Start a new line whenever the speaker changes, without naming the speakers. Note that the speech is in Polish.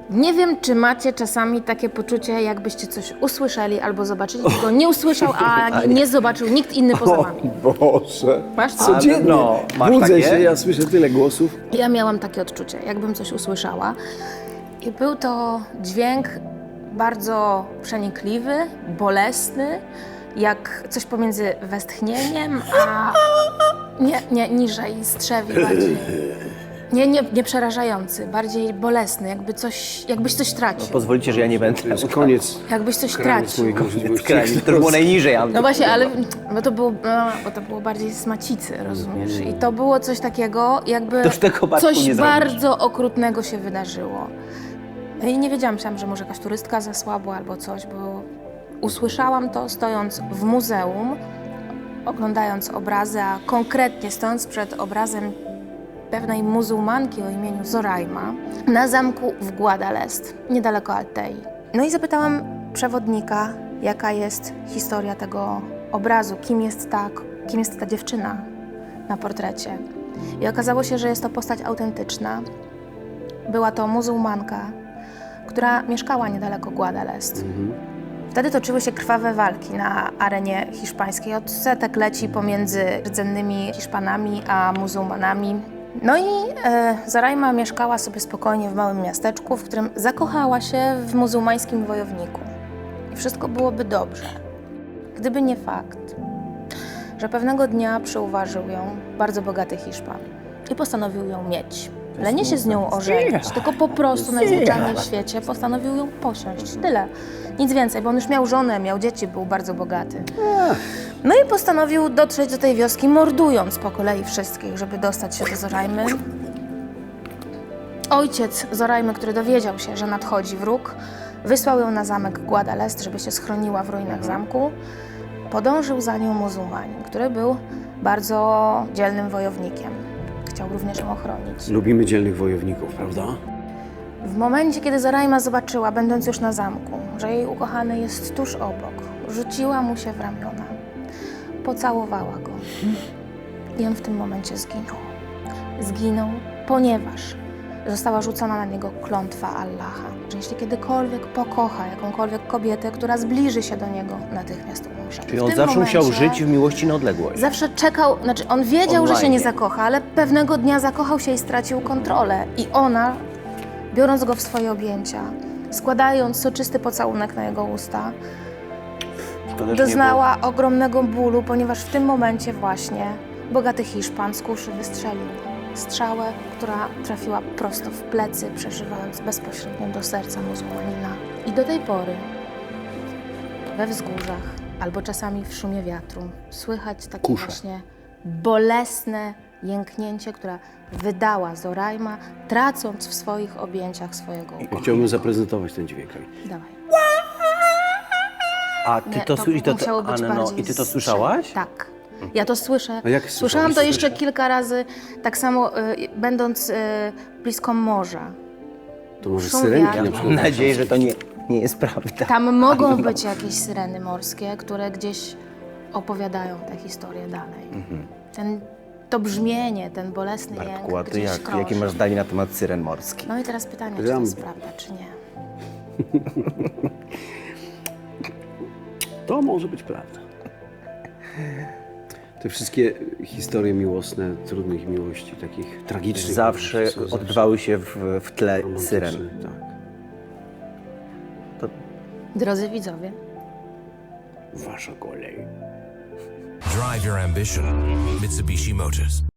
Nie wiem, czy macie czasami takie poczucie, jakbyście coś usłyszeli albo zobaczyli, czego nie usłyszał, a nie zobaczył nikt inny poza wami.
Boże.
Masz to?
Codziennie
no, masz
budzę
takie?
się, ja słyszę tyle głosów.
Ja miałam takie odczucie, jakbym coś usłyszała. I był to dźwięk bardzo przenikliwy, bolesny, jak coś pomiędzy westchnieniem, a nie niżej, strzewi bardziej. Nie przerażający, bardziej bolesny, jakbyś coś tracił.
Pozwolicie, że ja nie będę.
To jest koniec.
Jakbyś coś
Kraniec
tracił.
moich możliwości.
Skrajnie, to było najniżej.
No właśnie, ale bo to było bardziej z macicy, rozumiesz? I to było coś takiego, jakby
To już tego Bartku
coś
nie zrobisz.
bardzo okrutnego się wydarzyło. I nie wiedziałam, myślałam, że może jakaś turystka zasłabła albo coś, bo usłyszałam to stojąc w muzeum, oglądając obrazy, a konkretnie stojąc przed obrazem pewnej muzułmanki o imieniu Zoraima na zamku w Guadalest, niedaleko Altei. No i zapytałam przewodnika, jaka jest historia tego obrazu, kim jest ta dziewczyna na portrecie. I okazało się, że jest to postać autentyczna. Była to muzułmanka, która mieszkała niedaleko Guadalest. Wtedy toczyły się krwawe walki na arenie hiszpańskiej. Od setek leci pomiędzy rdzennymi Hiszpanami a muzułmanami. No i Zoraima mieszkała sobie spokojnie w małym miasteczku, w którym zakochała się w muzułmańskim wojowniku. I wszystko byłoby dobrze, gdyby nie fakt, że pewnego dnia przyuważył ją bardzo bogaty Hiszpan i postanowił ją mieć. Ale nie się z nią ożenić, tylko po prostu najzwyczajniej w świecie postanowił ją posiąść. Tyle. Nic więcej, bo on już miał żonę, miał dzieci, był bardzo bogaty. No i postanowił dotrzeć do tej wioski, mordując po kolei wszystkich, żeby dostać się do Zoraimy. Ojciec Zoraimy, który dowiedział się, że nadchodzi wróg, wysłał ją na zamek Guadalest, żeby się schroniła w ruinach zamku. Podążył za nią muzułmanin, który był bardzo dzielnym wojownikiem. Chciał również ją ochronić.
Lubimy dzielnych wojowników, prawda?
W momencie, kiedy Zoraima zobaczyła, będąc już na zamku, że jej ukochany jest tuż obok, rzuciła mu się w ramiona, pocałowała go i on w tym momencie zginął. Zginął, ponieważ została rzucona na niego klątwa Allaha, że jeśli kiedykolwiek pokocha jakąkolwiek kobietę, która zbliży się do niego, natychmiast umrze.
Czyli
W
on
tym
zawsze musiał
momencie
żyć w miłości na odległość.
Zawsze czekał, znaczy on wiedział, że się nie
Online.
zakocha, ale pewnego dnia zakochał się i stracił kontrolę. I ona, biorąc go w swoje objęcia, składając soczysty pocałunek na jego usta,
To też
doznała ogromnego bólu, ponieważ w tym momencie właśnie bogaty Hiszpan z kuszy wystrzelił strzałę, która trafiła prosto w plecy, przeżywając bezpośrednio do serca muzułmanina. I do tej pory we wzgórzach albo czasami w szumie wiatru słychać takie
Kusze.
właśnie bolesne jęknięcie, które wydała Zoraima, tracąc w swoich objęciach swojego
Ja
ukochanego.
chciałbym zaprezentować ten dźwięk.
Dawaj.
A ty
Nie,
to słyszałeś?
musiało być bardziej
I ty to
z-
słyszałaś?
Tak. Ja to słyszę.
A jak
Słyszałam
słyszałaś?
to jeszcze kilka razy, tak samo będąc blisko morza.
To może
Szum
syrenki
wiatru.
na przykład.
Mam nadzieję, że to nie jest prawda.
Tam mogą być jakieś syreny morskie, które gdzieś opowiadają tę historię dalej. To brzmienie, ten bolesny
Bartku,
jęk
a ty
gdzieś krąży.
jakie masz zdanie na temat syren morskich?
No i teraz pytanie, czy to
Ja-
jest prawda, czy nie?
To może być prawda. Te wszystkie historie miłosne, trudnych miłości, takich tragicznych.
Zawsze
są
odbywały się w tle
romantyczne,
syren.
Tak.
To
Drodzy widzowie,
Wasza kolej.
Drive your ambition. Mitsubishi Motors.